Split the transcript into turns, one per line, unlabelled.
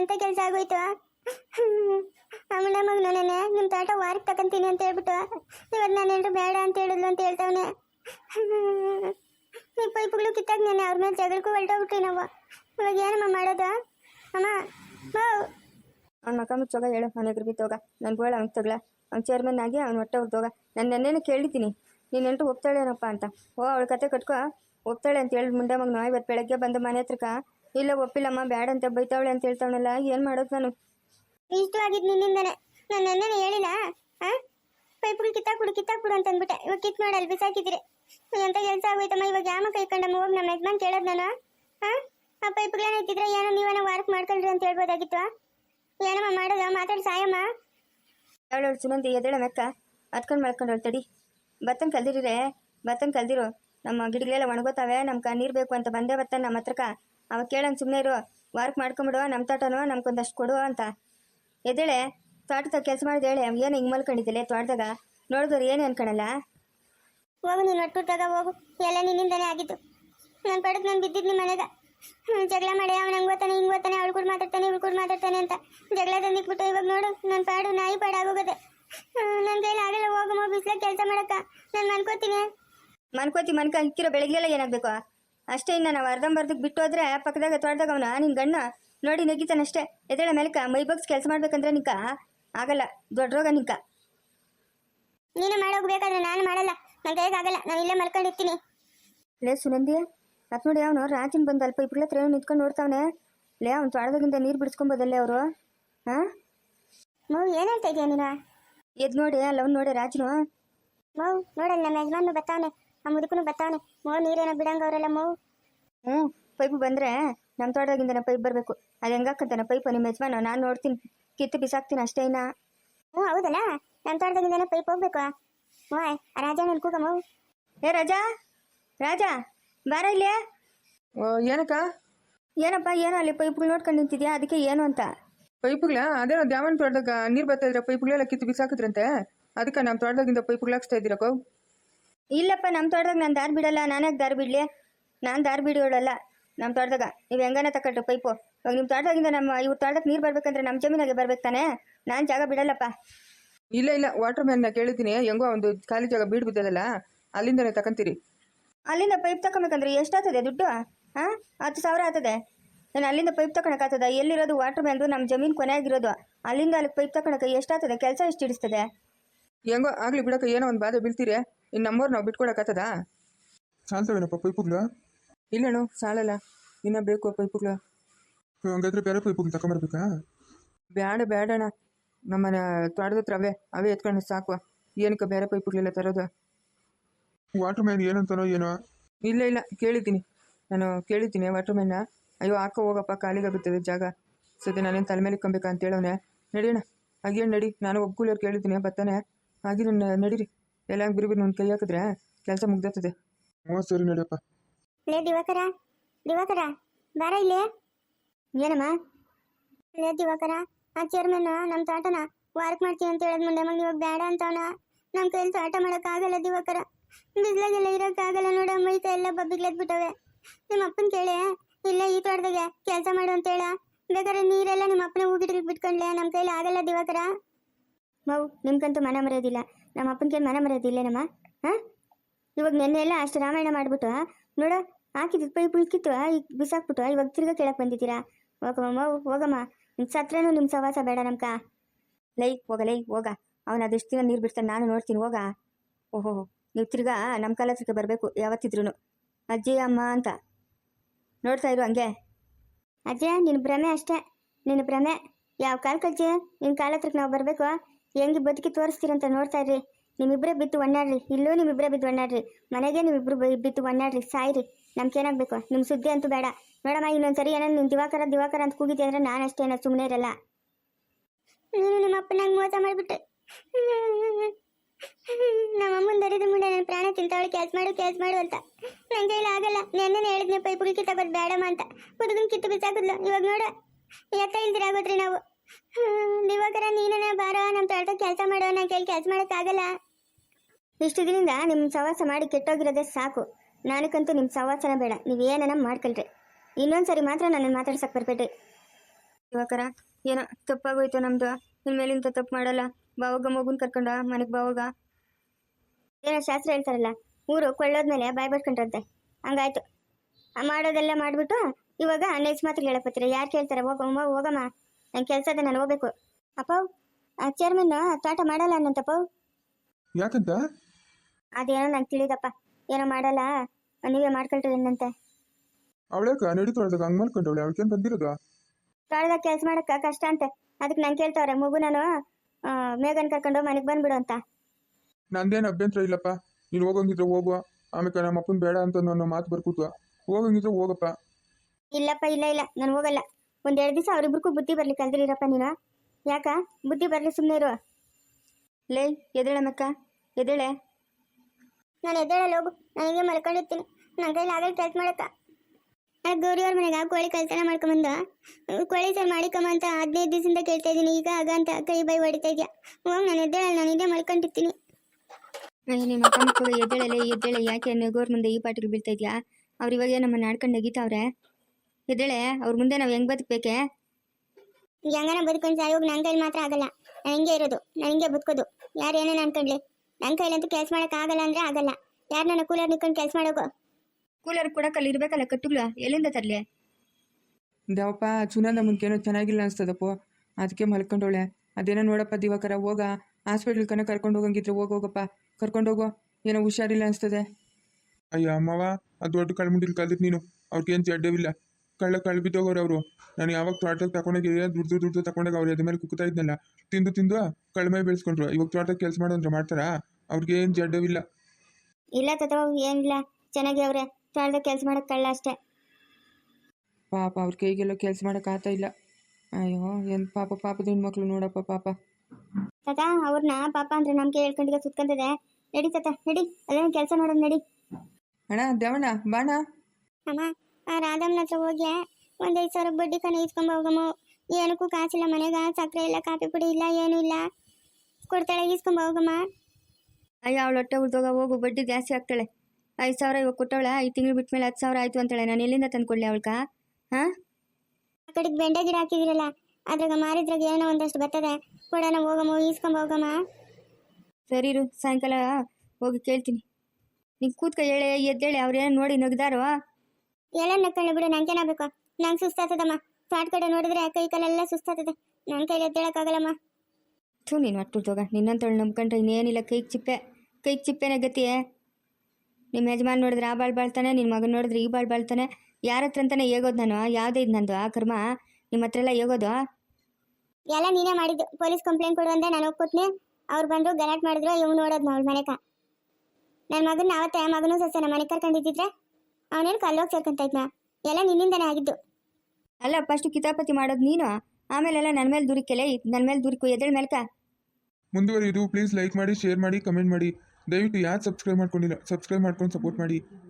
ಎಂತ ಕೆಲಸ ಆಗೋಯ್ತು. ಅಮ್ಮನ ಮಗನ ನಿಮ್ಮ ತಾಟ ವಾರಕ್ಕೆ ತಗೊಂತೀನಿ ಅಂತ ಹೇಳ್ಬಿಟ್ಟು ಇವತ್ತು ನಾನೇನ್ರು ಬೇಡ ಅಂತ ಹೇಳಿದ್ಲು ಅಂತ ಹೇಳ್ತಾವನೆ. ಈ ಪೈಪುಗಳು ಕಿತ್ತಾಗ ನಾನು ಅವ್ರ ಮೇಲೆ ಜಗಳಕ್ಕೂ ಹೊರಟೋಗ್ಬಿಟ್ರಿ ನಾವು. ಇವಾಗ ಏನಮ್ಮ ಮಾಡೋದು ಅಮ್ಮ?
ಅವ್ನ ಮಕ್ಕ ಮುಚ್ಚೋಗ ಹೇಳು, ಅವ್ನ ಎದುರು ಬಿತ್ತೋಗ ನನ್ನ ಗೋಳ ಅವ್ನಿಗೆ ತಗಲ. ಅವ್ನು ಚೇರ್ಮನ್ ಆಗಿ ಅವ್ನು ಹೊಟ್ಟೆ ಹೊರ್ದೋಗ. ನಾನು ನೆನ್ನೇನು ಕೇಳಿದ್ದೀನಿ ನೀನೆಂಟು ಒಪ್ತಾಳೇನಪ್ಪ ಅಂತ. ಓ ಅವಳ ಕತೆ ಕಟ್ಕೊ ಒಪ್ತಾಳೆ ಅಂತ ಹೇಳಿ ಮುಂಡೆ ಮಗನ ಇವತ್ತು ಬೆಳಗ್ಗೆ ಬಂದು ಮನೆ ಹತ್ರಕ್ಕ ಇಲ್ಲ ಒಪ್ಪಿಲ್ಲಮ್ಮ ಬ್ಯಾಡ ಅಂತ ಬೈತಾವಳೆ ಅಂತ ಹೇಳ್ತಾವಳಲ್ಲ, ಏನು ಮಾಡೋದು ನಾನು?
ಇಷ್ಟು ಆಗಿದ್ದು ನಿನ್ನಿಂದನೇ. ನಾನು ನೆನ್ನೆ ಹೇಳಿಲ್ಲ ಪೈಪುಗಳು ಕಿತ್ತಾಕ್ಬಿಡು ಅಂತ ಅಂದ್ಬಿಟ್ಟೆ. ಇವಾಗ ಕಿತ್ ಮಾಡಿ ಅಲ್ಲಿ ಬಿಸಾಕಿದ್ರಿ ಎಂತ ಕೆಲಸ ಆಗೋಯ್ತಮ್ಮ. ಇವಾಗ ಯಾಮ ಕೈ ಕಂಡಮ್ಮ ಹೋಗಿ ನಮ್ಮ ಯಜಮಾನ್ ಕೇಳೋದು ನಾನು. ಆ ಪೈಪುಗಳನ್ನ ಇತ್ತಿದ್ರೆ ಏನೋ ನೀವೇನೋ ವಾರ್ಕ್ ಮಾಡ್ಕೊಳ್ರಿ ಅಂತ ಹೇಳ್ಬೋದಾಗಿತ್ತು. ಏನಮ್ಮ ಮಾಡೋದ? ಮಾತಾಡಿ ಸಾಯಮ್ಮ.
ಅವಳವಳು ಸುನಂದಿ ಎದ್ದೇಳ ಮೆಕ್ಕ ಹತ್ಕೊಂಡು ಮಾಡ್ಕೊಂಡವಳು ತಡಿ. ಬತ್ತನ್ ಕಲ್ದಿರು ನಮ್ಮ ಗಿಡಗಳೆಲ್ಲ ಒಣಗೋತಾವೆ, ನಮ್ಗೆ ನೀರು ಬೇಕು ಅಂತ ಬಂದೇ ಬರ್ತಾನೆ ನಮ್ಮ ಹತ್ರಕ್ಕ. ಅವಾಗ ಕೇಳಂಗೆ ಸುಮ್ಮನೆ ಇರು, ವಾರ್ಕ್ ಮಾಡ್ಕೊಂಬಿಡುವ, ನಮ್ಮ ತೋಟನೋ ನಮ್ಗೊಂದಷ್ಟು ಕೊಡುವ ಅಂತ. ಎದ್ದೇಳೆ ತೋಟದಾಗ ಕೆಲಸ ಮಾಡಿದೆ ಹೇಳಿ. ಏನು ಹಿಂಗೆ ಮಲ್ಕೊಂಡಿದ್ದಿಲ್ಲ ತೋಟದಾಗ ನೋಡಿದವ್ರು ಏನು ಅನ್ಕೊಳಲ್ಲ.
ಹೋಗು ನೀನು ಒಟ್ಟುದಾಗ ಹೋಗು, ಎಲ್ಲ ನಿನ್ನಿಂದನೇ ಆಗಿದ್ದು. ನಾನು ಪಡೆದು ನಾನು ಬಿದ್ದಿದ್ದು ನಿಮ್ಮ ಮನೆಗ ಜಗಳ ಮಾಡಿ ಅವ್ನು ಹಂಗೆ ಓದ್ತಾನೆ ಹಿಂಗೆ ಓದ್ತಾನೆ, ಅವಳು ಕೂಡ ಮಾತಾಡ್ತಾನೆ ಇವಳು ಕೂಡ ಮಾತಾಡ್ತಾನೆ ಅಂತ ಜಗಳ ತಂದಿಕ್ಬಿಟ್ಟು ಇವಾಗ ನೋಡು ನನ್ನ ಪಾಡು ನಾಯಿ ಪಾಡು ಆಗೋಗದೆ. ನನ್ನ ಕೈಲಿ ಆಗಲ್ಲ, ಹೋಗಮ್ಮ ಬಿಸ್ಲಾಗ ಕೆಲಸ ಮಾಡಕ್ಕ. ನಾನು
ಮನ್ಕ ಇಕ್ಕಿರೋ ಬೆಳಗ್ಗೆಲ್ಲ ಏನಾಗಬೇಕು ಅಷ್ಟೇ. ಇನ್ನು ನಾವು ಅರ್ಧಂಬರ್ಧಕ್ಕೆ ಬಿಟ್ಟು ಹೋದ್ರೆ ಪಕ್ಕದಾಗ ತೋಟದಾಗ ಅವನ ನಿನ್ನ ಗಣ್ಣ ನೋಡಿ ನೆಗಿತಾನಷ್ಟೇ. ಎದ್ದೇಳ ಮೇಲಕ್ಕ ಮೈ ಬಗ್ಸ್ ಕೆಲಸ ಮಾಡ್ಬೇಕಂದ್ರೆ ನಿಂಕ ಆಗಲ್ಲ, ದೊಡ್ಡ ರೋಗ ನಿಂಕ.
ನೀನು ಮಾಡೋಗ್ಬೇಕಾದ್ರೆ ನಾನು ಮಾಡಲ್ಲ, ನನ್ನ ಕೈಗೆ ಆಗಲ್ಲ, ನಾನು ಇಲ್ಲೇ ಮಲ್ಕೊಂಡಿರ್ತೀನಿ.
ಲೇ ಸುನಂದಿ ಅತ್ ನೋಡಿ ಅವನು ರಾಜನ್ ಬಂದು ಅಲ್ಪ ಇಬ್ಬಳ ಹತ್ರ ನಿಂತ್ಕೊಂಡು ನೋಡ್ತಾವನೆ. ಲೇ ಅವ್ನು ತೋಟದಾಗಿಂದ ನೀರು ಬಿಡಿಸ್ಕೊಂಬೋದಲ್ಲೇ ಅವರು.
ಮೌ ಏನು ಹೇಳ್ತಾ ಇದೀಯ ನೀನು?
ಎದ್ ನೋಡಿ ಅಲ್ಲ ಅವ್ನು ನೋಡಿ ರಾಜನು.
ಮೌ ನೋಡಲ್ಲ ನಮ್ಮ ಯಜಮಾನು ಬತ್ತಾವನೆ, ಆ ಮುದುಕನು ಬತ್ತಾವನೆ. ಮೌ ನೀರೇನೋ ಬಿಡಂಗ ಅವರೆಲ್ಲ ಮೌ.
ಪೈಪು ಬಂದರೆ ನಮ್ಮ ತೋಟದಾಗಿಂದ ಪೈಪ್ ಬರಬೇಕು. ಅದು ಹೆಂಗಾಕಂತಾನೆ ಪೈಪು ನಿಮ್ಮ ಯಜಮಾನ? ನಾನು ನೋಡ್ತೀನಿ, ಕಿತ್ತು ಬಿಸಾಕ್ತೀನಿ ಅಷ್ಟೇ. ಇನ್ನ
ಹೌದಲ್ಲ, ನಮ್ಮ ತೋಟದಾಗಿಂದ ಪೈಪ್ ಹೋಗ್ಬೇಕು. ಮೋಯ್ ರಾಜ ನನ್ ಕೂಗ ಮೌ.
ಏ ರಾಜಾ ಬಾರ ಇಲ್ಲೇ.
ಏನಕ್ಕ?
ಏನಪ್ಪ ಏನೋ ಅಲ್ಲಿ ಪೈಪ್ಗಳು ನೋಡ್ಕೊಂಡು ನಿಂತಿದ್ಯಾ, ಅದಕ್ಕೆ ಏನು ಅಂತ.
ಪೈಪ್ಗಳ ಅದೇನೋ ದ್ಯಾಮನ್ ತೋಟದಾಗ ನೀರು ಬರ್ತಾ ಇದ್ರೆ ಪೈಪ್ಗಳೆಲ್ಲ ಕಿತ್ತು ಬಿಸಾಕಿದ್ರಂತೆ, ಅದಕ್ಕೆ ನಮ್ಮ ತೋಟದಾಗಿಂದ ಪೈಪ್ಗಳು ಹಾಕ್ಸ್ತಾ ಇದ್ದೀರಕ್ಕ?
ಇಲ್ಲಪ್ಪ ನಮ್ಮ ತೋಟದಾಗ ನಾನು ದಾರಿ ಬಿಡಲ್ಲ. ನಾನ್ಯಾಕೆ ದಾರಿ ಬಿಡಲಿ? ನಾನು ದಾರಿ ಬಿಡೋಳಲ್ಲ ನಮ್ಮ ತೋಟದಾಗ. ನೀವು ಹೆಂಗನ ತಗೊಳ್ರಿ ಪೈಪು. ಇವಾಗ ನಿಮ್ಮ ತೋಟದಾಗಿಂದ ನಮ್ಮ ಇವ್ರ ತೋಟಕ್ಕೆ ನೀರು ಬರ್ಬೇಕಂದ್ರೆ ನಮ್ಮ ಜಮೀನಾಗೆ ಬರ್ಬೇಕು ತಾನೆ. ನಾನು ಜಾಗ ಬಿಡಲ್ಲಪ್ಪ.
ಇಲ್ಲ ವಾಟರ್ ಮ್ಯಾನ್ನ ಕೇಳಿದ್ದೀನಿ, ಹೆಂಗೋ ಒಂದು ಖಾಲಿ ಜಾಗ ಬೀಡು ಬಿದ್ದದಲ್ಲ ಅಲ್ಲಿಂದನೇ ತಗೊಂತೀರಿ.
ಅಲ್ಲಿಂದ ಪೈಪ್ ತಗೊಬೇಕಂದ್ರೆ ಎಷ್ಟಾಗ್ತದೆ ದುಡ್ಡು? 10,000 ಆಗ್ತದೆ. ನಾನು ಅಲ್ಲಿಂದ ಪೈಪ್ ತಗೊಳಕ್ಕಾಗ್ತದೆ? ಎಲ್ಲಿರೋದು ವಾಟರ್ ಮ್ಯಾನ್ದು ನಮ್ಮ ಜಮೀನು ಕೊನೆ ಆಗಿರೋದು. ಅಲ್ಲಿಂದ ಅಲ್ಲಿಗೆ ಪೈಪ್ ತಗೊಳಕ್ಕೆ ಎಷ್ಟಾಗ್ತದೆ? ಕೆಲಸ ಎಷ್ಟು ಹಿಡಿಸ್ತದೆ?
ಹೆಂಗೋ ಆಗ್ಲಿ ಬಿಡಕ್ಕೆ, ಏನೋ ಒಂದು ಬಾಧೆ ಬೀಳ್ತೀರಿ. ಇನ್ನು ನಮ್ಮವ್ರು ನಾವು ಬಿಟ್ಕೊಡಕ್ಕಾಗ್ತದ?
ಸಾಲ್ತವೇನಪ್ಪ ಪೈಪುಗಳು?
ಇಲ್ಲಣ್ಣ ಸಾಲಲ್ಲ, ಇನ್ನೂ ಬೇಕು ಪೈಪುಗಳು.
ಹಂಗಾದ್ರೆ ಬೇರೆ ಪೈಪುಗಳು ತಗೊಂಬರ್ಬೇಕಾ?
ಬೇಡಣ್ಣ, ನಮ್ಮನೆ ತೋಟದ ಹತ್ರ ಅವೇ ಎತ್ಕೊಂಡು ಸಾಕು. ಏನಕ್ಕೆ ಬೇರೆ ಪೈಪುಗಳೆಲ್ಲ ತರೋದು?
ವಾಟರ್ ಮ್ಯಾನ್ ಏನಂತಾನೋ ಏನೋ.
ಇಲ್ಲ ನಾನು ಕೇಳಿದ್ದೀನಿ ವಾಟರ್ ಮ್ಯಾನ್ನ. ಅಯ್ಯೋ ಹಾಕೋ ಹೋಗಪ್ಪ, ಖಾಲಿಗಾಗುತ್ತದೆ ಜಾಗ, ಸದ್ಯ ನಾನೇನು ತಲೆ ಮೇಲೆ ಇಕ್ಕೊಬೇಕಾ ಅಂತ ಹೇಳೋನೆ. ನಡಿಯೋಣ ಹಾಗೇನು ನಡಿ, ನಾನು ಒಬ್ಬಗೂಲಿಯವ್ರು ಕೇಳಿದ್ದೀನಿ ಬರ್ತಾನೆ. ಹಾಗೆ ನಡೀರಿ, ಎಲ್ಲ ಹಂಗೆ ಬಿರು ನನ್ನ ಕೈ ಹಾಕಿದ್ರೆ ಕೆಲಸ ಮುಗ್ದತ್ತದೆ.
ಸರಿ ನಡಿಯಪ್ಪ.
ಲೇ ದಿವಾಕರ ಬಾರ ಇಲ್ಲೇ.
ಏನಮ್ಮ?
ಲೇ ದಿವಾಕರ, ಆ ಚೇರ್ಮನ್ ನಮ್ಮ ತೋಟನ ವಾರ್ಕ್ ಮಾಡ್ತೀನಿ ಅಂತ ಹೇಳಿದ್ ಮುಂದೆ ಮಗ ಇವಾಗ ಬೇಡ ಅಂತವನ. ನಮ್ಮ ಕೈಯಲ್ಲಿ ತೋಟ ಮಾಡೋಕ್ಕಾಗಲ್ಲ ದಿವಾಕರ, ಬಿಸ್ಲಾಗೆಲ್ಲ ಇರೋಕ್ಕಾಗಲ್ಲ. ನೋಡ ಮೈತ ಎಲ್ಲ ಬಬ್ಬಿಗ್ಲದ್ ಬಿಟ್ಟವೆ. ನಿಮ್ಮ ಅಪ್ಪನ ಕೇಳಿ ಇಲ್ಲ ಈ ತೋಟದಾಗೆ ಕೆಲಸ ಮಾಡು ಅಂತ ಹೇಳ. ಬೇಕಾದ್ರೆ ನೀರೆಲ್ಲ ನಿಮ್ಮ ಅಪ್ಪನ ಹೂಗಿಡ್ರಿಗೆ ಬಿಟ್ಕೊಂಡ್ಲೆ, ನಮ್ಮ ಕೈಲಿ ಆಗಲ್ಲ ದಿವಾಕರ.
ಮೌ ನಿಮ್ಗಂತೂ ಮನ ಮರೆಯೋದಿಲ್ಲ, ನಮ್ಮ ಅಪ್ಪನ ಮನ ಮರೆಯೋದಿಲ್ಲೇನಮ್ಮ? ಇವಾಗ ನೆನ್ನೆ ಎಲ್ಲ ಅಷ್ಟು ರಾಮಾಯಣ ಮಾಡಿಬಿಟ್ಟು ನೋಡ ಹಾಕಿದ್ದು ಪೈಪ್ ಉಳ್ಕಿತ್ತು, ಈಗ ಬಿಸಾಕ್ಬಿಟ್ಟು ಇವಾಗ ತಿರ್ಗಾ ಕೇಳಕ್ಕೆ ಬಂದಿದ್ದೀರಾ? ಹೋಗಮ್ಮ ಮೌ ಹೋಗಮ್ಮ, ನಿಮ್ಮ ಸತ್ರನೂ ನಿಮ್ಮ ಸವಾಸ ಬೇಡ ನಮ್ಕ. ಲೈ ಹೋಗ ಅವನು ಅದೆಷ್ಟು ದಿನ ನೀರು ಬಿಡ್ತಾನೆ ನಾನು ನೋಡ್ತೀನಿ. ಹೋಗ. ಓಹೋ ನೀವು ತಿರ್ಗಾ ನಮ್ಮ ಕಾಲ ಹತ್ರಕ್ಕೆ ಬರಬೇಕು ಯಾವತ್ತಿದ್ರು. ಅಜ್ಜಿ ಅಮ್ಮ ಅಂತ ನೋಡ್ತಾ ಇರು ಹಂಗೆ.
ಅಜ್ಜ ನಿನ್ನ ಭ್ರಮೆ ಅಷ್ಟೇ, ನಿನ್ನ ಭ್ರಮೆ. ಯಾವ ಕಾಲ ಕಜ್ಜಿ ನಿನ್ನ ಕಾಲ ಹತ್ರಕ್ಕೆ ನಾವು ಬರಬೇಕು, ಹೆಂಗೆ ಬದುಕಿ ತೋರಿಸ್ತೀರಂತ ನೋಡ್ತಾ ಇರ್ರಿ. ನಿಮ್ಮಿಬ್ಬರೇ ಬಿತ್ತು ಒಣ್ಣಾಡ್ರಿ, ಇಲ್ಲೂ ನಿಮ್ಮಿಬ್ಬರೇ ಬಿದ್ದು ಒಣ್ಣಾಡ್ರಿ, ಮನೆಗೆ ನಿಮ್ಮಿಬ್ಬರು ಬಿತ್ತು ಒಣ್ಣಾಡ್ರಿ, ಸಾಯ್ರಿ. ನಮ್ಗೇನಾಗಬೇಕು? ನಿಮ್ಮ ಸುದ್ದಿ ಅಂತೂ ಬೇಡ. ನೋಡಮ್ಮ ಇನ್ನೊಂದ್ಸರಿ ಏನೋ ನೀನು ದಿವಾಕರ ಅಂತ ಕೂಗಿದ್ದೆ ಅಂದರೆ ನಾನು ಅಷ್ಟೇ ಏನೋ ಸುಮ್ಮನೆ ಇರಲ್ಲ. ನೀನು ನಿಮ್ಮ ಅಪ್ಪನಾಗ ಮೋಸ ಮಾಡಿಬಿಟ್ಟೆ. ನಮ್ಮಮ್ಮನ ದರಿದ ಮುಂದೆ ನನ್ನ ಪ್ರಾಣ ತಿಂತವಳು ಕೆಲಸ ಮಾಡು ಅಂತ. ನನ್ನ ಕೈಲಿ ಆಗಲ್ಲ. ನೆನ್ನೆ ಹೇಳಿದ್ನೆ ಪೈಪುಗಳು ಕಿತ್ತಗೋದು ಬೇಡಮ್ಮ ಅಂತ, ಹುಡುಗನ್ ಕಿತ್ತು ಬಿಸಾಕಿದ್ಲು. ಇವಾಗ ನೋಡ ಎತ್ತ ಇಲ್ದಿರಾಗೋದ್ರಿ ನಾವು. ದಿವಾಕರ ನೀನೇ ಬಾರೋ ನಮ್ಮ ತೋಟ ಕೆಲಸ ಮಾಡೋ, ನನ್ನ ಕೈಲಿ ಕೆಲಸ ಮಾಡೋಕ್ಕಾಗಲ್ಲ.
ಇಷ್ಟು ದಿನದಿಂದ ನಿಮ್ಮ ಸವಾಸ ಮಾಡಿ ಕೆಟ್ಟೋಗಿರೋದೇ ಸಾಕು. ನನಗಂತೂ ನಿಮ್ಮ ಸವಾಸನ ಬೇಡ, ನೀವೇನ ಮಾಡ್ಕೊಳ್ರಿ. ಇನ್ನೊಂದ್ಸರಿ ಮಾತ್ರ ನನ್ನನ್ನು ಮಾತಾಡ್ಸಕ್ಕೆ ಬರಬೇಡ್ರಿ. ಇವಾಕರ ಏನೋ ತಪ್ಪಾಗೋಯ್ತು ನಮ್ದು. ಇನ್ಮೇಲೆ ಇಂಥ ತಪ್ಪು ಮಾಡಲ್ಲ. ಬಾವಾಗ ಮಗುನ ಕರ್ಕೊಂಡ ಮನೆಗೆ ಬಾವಾಗ ಏನೋ ಶಾಸ್ತ್ರ ಹೇಳ್ತಾರಲ್ಲ, ಊರು ಕೊಳ್ಳೋದ್ಮೇಲೆ ಬಾಯ್ ಬಡ್ಕೊಂಡ್ರಂತೆ. ಹಂಗಾಯ್ತು. ಮಾಡೋದೆಲ್ಲ ಮಾಡಿಬಿಟ್ಟು ಇವಾಗ ನೆಕ್ಸ್ಟ್ ಮಾತ್ರ ಹೇಳಕ್ ಬರ್ತೀರ. ಯಾರು ಕೇಳ್ತಾರೆ? ಹೋಗಮ್ಮ ಹೋಗಮ್ಮ, ನಂಗೆ ಕೆಲಸ ಅದ, ನಾನು ಹೋಗ್ಬೇಕು. ಅಪ್ಪ ಚೇರ್ಮನ್ ತೋಟ ಮಾಡಲ್ಲ ಅನ್ನಂತಪ್ಪ.
ಯಾಕಂತ?
ಅದೇನೋ ನಂಗೆ ತಿಳಿದಪ್ಪ. ಏನೋ ಮಾಡಲ್ಲ, ನೀವೇ ಮಾಡ್ಕೊಳ್ತೀರಂತೆ.
ಅವಳ್ಯಾಕ ನಡೀತೊಳ್ದಾಗ ಹಂಗೆ ಮಾಡ್ಕೊಂಡವಳೆ? ಅವಳಿಗೇನು ಬಂದಿರೋದು?
ತೋಟದಾಗ ಕೆಲಸ ಮಾಡಕ್ಕ ಕಷ್ಟ ಅಂತೆ. ಅದಕ್ಕೆ ನಂಗೆ ಕೇಳ್ತಾವ್ರೆ, ಮಗು ನಾನು ಮೇಘನ್ ಕರ್ಕೊಂಡು ಮನೆಗೆ ಬಂದ್ಬಿಡು ಅಂತ.
ನಂದೇನು ಅಭ್ಯಂತರ ಇಲ್ಲಪ್ಪ. ನೀನು ಹೋಗಂಗಿದ್ರೆ ಹೋಗುವ. ಆಮೇಲೆ ನಮ್ಮ ಅಪ್ಪನ ಬೇಡ ಅಂತ ಅನ್ನೋ ಮಾತು ಬರ್ಕೂತು. ಹೋಗಂಗಿದ್ರೆ ಹೋಗಪ್ಪ.
ಇಲ್ಲಪ್ಪ, ಇಲ್ಲ ನಾನು ಹೋಗಲ್ಲ. ಒಂದೆರಡು ದಿವಸ ಅವ್ರಿಬ್ರಿಗೂ ಬುದ್ಧಿ ಬರ್ಲಿಕ್ಕೆ ಕಲ್ದಿರಪ್ಪ ನೀನು. ಯಾಕ ಬುದ್ಧಿ ಬರ್ಲಿ, ಸುಮ್ಮನೆ ಇರುವ. ಲೇ ಎದ್ದೇಳೆ ಮಕ್ಕ, ಎದ್ದೇಳೆ.
ನಾನು ಎದ್ದೇಳಲ್ಲ, ಹೋಗು. ನನಗೆ ಮಲ್ಕೊಂಡಿರ್ತೀನಿ. ನನ್ನ ಕೈಲಿ ಆಗಲಿ ಕೆಲಸ ಮಾಡಕ್ಕ. ಗೌರಿಯವ್ರ ಮನೆಗೆ ಕೋಳಿ ಕಳ್ತನ ಮಾಡ್ಕೊಂಬಂದು ಕೋಳಿ ಸಾರು ಮಾಡಿಕಮ್ಮ ಅಂತ 15 ದಿವಸದಿಂದ ಕೇಳ್ತಾ ಇದ್ದೀನಿ. ಈಗ ಆಗ ಅಂತ ಕೈ ಬೈ ಹೊಡಿತಾ ಇದೆಯಾ? ಹೋಗಿ ನಾನು ಎದ್ದೇಳಲ್ಲ, ನಾನು ಇದೇ ಮಲ್ಕೊಂಡಿರ್ತೀನಿ.
ನಿಮ್ಮ ಅಪ್ಪ ಮಕ್ಕಳು ಎದ್ದೇಳೆ. ಯಾಕೆ ನಗೋರ್ ಮುಂದೆ ಈ ಪಾಟಿಗೆ ಬೀಳ್ತಾ ಇದೆಯಾ? ಅವ್ರು ಇವಾಗ ನಮ್ಮನ್ನು ನಾಡ್ಕೊಂಡು ನಗೀತಾವ್ರೆ. ಎದ್ದೇಳೆ, ಅವ್ರ ಮುಂದೆ ನಾವು ಹೆಂಗೆ ಬದುಕಬೇಕೆ?
ಹೆಂಗನ ಬದುಕೊಂಡು ಸಾರಿ ಹೋಗಿ. ನನ್ನ ಕೈಲಿ ಮಾತ್ರ ಆಗಲ್ಲ. ನಾನು ಹಿಂಗೆ ಇರೋದು, ನಾನು ಹಿಂಗೆ ಬದುಕೋದು. ಯಾರು ಏನೇನು ಅನ್ಕೊಂಡ್ಲಿ, ನನ್ನ ಕೈಲಂತೂ ಕೆಲಸ ಮಾಡೋಕೆ ಆಗಲ್ಲ ಅಂದರೆ ಆಗಲ್ಲ. ಯಾರು ನನ್ನ ಕೂಲರ್ ನಿಂತ್ಕೊಂಡು ಕೆಲಸ ಮಾಡೋಗು.
ಕೂಲರ್ ಕೊಡಕ್ಕಲ್ಲಿ ಇರಬೇಕಲ್ಲ ಕಟ್ಟುಗಳು, ಎಲ್ಲಿಂದ ತರಲಿ?
ದೇವಪ್ಪ ಸುನಂದ ಮುಂಕೇನೋ ಚೆನ್ನಾಗಿಲ್ಲ ಅನ್ಸ್ತದಪ್ಪೋ, ಅದಕ್ಕೆ ಮಲ್ಕೊಂಡವಳೆ. ಅದೇನೋ ನೋಡಪ್ಪ ದಿವಾಕರ, ಹೋಗ ಹಾಸ್ಪಿಟ್ಲ್ ಕನ್ನ ಕರ್ಕೊಂಡು ಹೋಗಂಗಿದ್ರೆ ಹೋಗಪ್ಪ, ಕರ್ಕೊಂಡೋಗೋ. ಏನೋ ಹುಷಾರಿಲ್ಲ ಅನಿಸ್ತದೆ.
ಅಯ್ಯ ಅಮ್ಮವ, ಅದು ದೊಡ್ಡ ಕಳ್ಮುಂಡಿಲ್ ಕಲ್ದಿತ್ತು ನೀನು. ಅವ್ರಿಗೇನು ಅಡ್ಡವಿಲ್ಲ. ಕಳ್ಳ ಬಿದ್ದೋಗವ್ರು ಅವರು. ನಾನು ಯಾವಾಗ ತೋಟದಾಗ ತಗೊಂಡೋಗಿ ದುಡ್ದು ತಗೊಂಡಾಗ ಅವ್ರು ಅದ ಮೇಲೆ ಕುಕ್ತಾ ಇದ್ನಲ್ಲ, ತಿಂದು ಕಳ್ಮೈ ಬೆಳೆಸ್ಕೊಂಡ್ರು. ಇವಾಗ ತೋಟದಾಗ ಕೆಲಸ ಮಾಡೋಂದ್ರೆ ಮಾಡ್ತಾರಾ? ಅವ್ರಿಗೇನು ಜಡ್ಡವಿಲ್ಲ.
ಇಲ್ಲ ತತೋ, ಏನಿಲ್ಲ, ಚೆನ್ನಾಗಿ ಅವ್ರೆ. ತೋಟದಾಗ ಕೆಲಸ ಮಾಡೋಕೆ ಕಳ್ಳ ಅಷ್ಟೇ.
ಪಾಪ ಅವ್ರ ಕೈಗೆಲ್ಲ ಕೆಲಸ ಮಾಡೋಕೆ ಆಗ್ತಾ ಇಲ್ಲ. ಅಯ್ಯೋ ಏನು ಪಾಪದ ಹೆಣ್ಮಕ್ಳು ನೋಡಪ್ಪ ಪಾಪ.
ತಾತ ಅವ್ರನ್ನ ಪಾಪ ಅಂದ್ರೆ ನಮ್ಗೆ ಹೇಳ್ಕೊಂಡಿಗೆ ಸುತ್ಕೊಂತದೆ. ನಡಿ ತಾತ, ನಡಿ, ಅದೇನು ಕೆಲಸ ನೋಡೋದು, ನಡಿ.
ಅಣ್ಣ ದೇವಣ್ಣ ಬಾಣ.
ಅಮ್ಮ, ಆ ರಾಧಮ್ಮನ ಹತ್ರ ಹೋಗಿ 5,000 ಬಡ್ಡಿ ಕಣ ಇಸ್ಕೊಂಬ ಹೋಗಮ್ಮ. ಏನಕ್ಕೂ ಕಾಸಿಲ್ಲ ಮನೆಗೆ, ಸಕ್ಕರೆ ಇಲ್ಲ, ಕಾಫಿ ಪುಡಿ ಇಲ್ಲ, ಏನೂ ಇಲ್ಲ. ಕೊಡ್ತಾಳೆ, ಇಸ್ಕೊಂಬ ಹೋಗಮ್ಮ.
ಅಯ್ಯ ಅವಳು ಹೊಟ್ಟೆ ಉಳ್ದೋಗ, ಹೋಗು. ಬಡ್ಡಿ ಜಾಸ್ತಿ ಆಗ್ತಾಳೆ. 5,000 ಇವಾಗ ಕೊಟ್ಟವಳ, ಈ ತಿಂಗಳು ಬಿಟ್ಟ ಮೇಲೆ 10,000 ಆಯಿತು ಅಂತಾಳೆ. ನಾನು ಎಲ್ಲಿಂದ ತಂದು ಕೊಡಲಿ ಅವಳ್ಕ? ಹಾಂ,
ಆ ಕಡೆಗೆ ಬೆಂಡೆ ಗಿಡ ಹಾಕಿದಿರಲ್ಲ, ಅದ್ರಾಗ ಮಾರಿದ್ರಾಗ ಏನೋ ಒಂದಷ್ಟು ಬರ್ತದೆ. ಕೊಡೋಣ, ಹೋಗಮ್ಮ, ಇಸ್ಕೊಂಬ ಹೋಗಮ್ಮ.
ಸರಿ ಇರು, ಸಾಯಂಕಾಲ ಹೋಗಿ ಕೇಳ್ತೀನಿ. ನಿಂಗೆ ಕೂತ್ಕ ಹೇಳಿ, ಎದ್ದೇಳಿ. ಅವ್ರೇನು ನೋಡಿ ನಗ್ದಾರೋ?
ಎಲ್ಲ ನಕ್ಕಳ್ಳಿ ಬಿಡು, ನಂಗೇನಾಗಬೇಕು? ನಂಗೆ ಸುಸ್ತಾಗ್ತದಮ್ಮ. ತೋಟ ಕಡೆ ನೋಡಿದ್ರೆ ಕೈ ಕಾಲೆಲ್ಲ ಸುಸ್ತಾಗ್ತದೆ. ನನ್ನ ಕೈಲಿ ಎದ್ದೇಳಕ್ಕಾಗಲ್ಲಮ್ಮ.
ನೀನು ಹೊಟ್ಟುರ್ದೋಗ. ನಿನ್ನಂತವಳು ನಂಬ್ಕೊಂಡ್ರೆ ಇನ್ನೇನಿಲ್ಲ. ಕೈಗೆ ಚಿಪ್ಪೆನೇ ಗತಿಯೇ. ನಿಮ್ಮ ಯಜಮಾನ್ ನೋಡಿದ್ರೆ ಆ ಬಾಳ್ ಬಾಳ್ತಾನೆ, ನಿನ್ನ ಮಗನ ನೋಡಿದ್ರೆ ಈ ಬಾಳ್ ಬಾಳ್ತಾನೆ. ಯಾರ ಹತ್ರ ಅಂತಾನೆ ಹೇಗೋದು ನಾನು? ಯಾವುದೇ ಇದು ನಂದು ಆ ಕರ್ಮ? ನಿಮ್ಮ ಹತ್ರ ಎಲ್ಲ ಹೇಗೋದು?
ಎಲ್ಲ ನೀನೇ ಮಾಡಿದ್ದು. ಪೊಲೀಸ್ ಕಂಪ್ಲೇಂಟ್ ಕೊಡು ಅಂದೆ, ನಾನು ಹೋಗ್ಕೊಟ್ನಿ. ಅವ್ರು ಬಂದರು, ಗಲಾಟೆ ಮಾಡಿದ್ರು. ಇವ್ ನೋಡೋದು ಅವಳ ಮನೆಕ. ನನ್ನ ಮಗನ ಅವತ್ತೆ ಮಗನೂ ಸಸ್ಯನ ಮನೆ ಕರ್ಕೊಂಡಿದ್ದಿದ್ರೆ ಅವನೇನು ಕಲ್ಲೋಗಿ ಸೇರ್ಕೊಂತ ಇದ್ನ. ಎಲ್ಲ ನಿನ್ನಿಂದನೇ ಆಗಿದ್ದು.
ಅಲ್ಲ, ಫಸ್ಟ್ ಕಿತಾಪತಿ ಮಾಡೋದು ನೀನು, ಆಮೇಲೆಲ್ಲ ನನ್ನ ಮೇಲೆ ದೂರಿಕೆಲೆ. ನನ್ನ ಮೇಲೆ ದೂರಿಕು, ಎದ್ದೇಳ ಮೇಲ್ಕ.
ಮುಂದುವರಿಯುವುದು. ಪ್ಲೀಸ್ ಲೈಕ್ ಮಾಡಿ, ಶೇರ್ ಮಾಡಿ, ಕಮೆಂಟ್ ಮಾಡಿ. ದಯವಿಟ್ಟು ಯಾರು ಸಬ್ಸ್ಕ್ರೈಬ್ ಮಾಡ್ಕೊಂಡಿಲ್ಲ, ಸಬ್ಸ್ಕ್ರೈಬ್ ಮಾಡ್ಕೊಂಡು ಸಪೋರ್ಟ್ ಮಾಡಿ.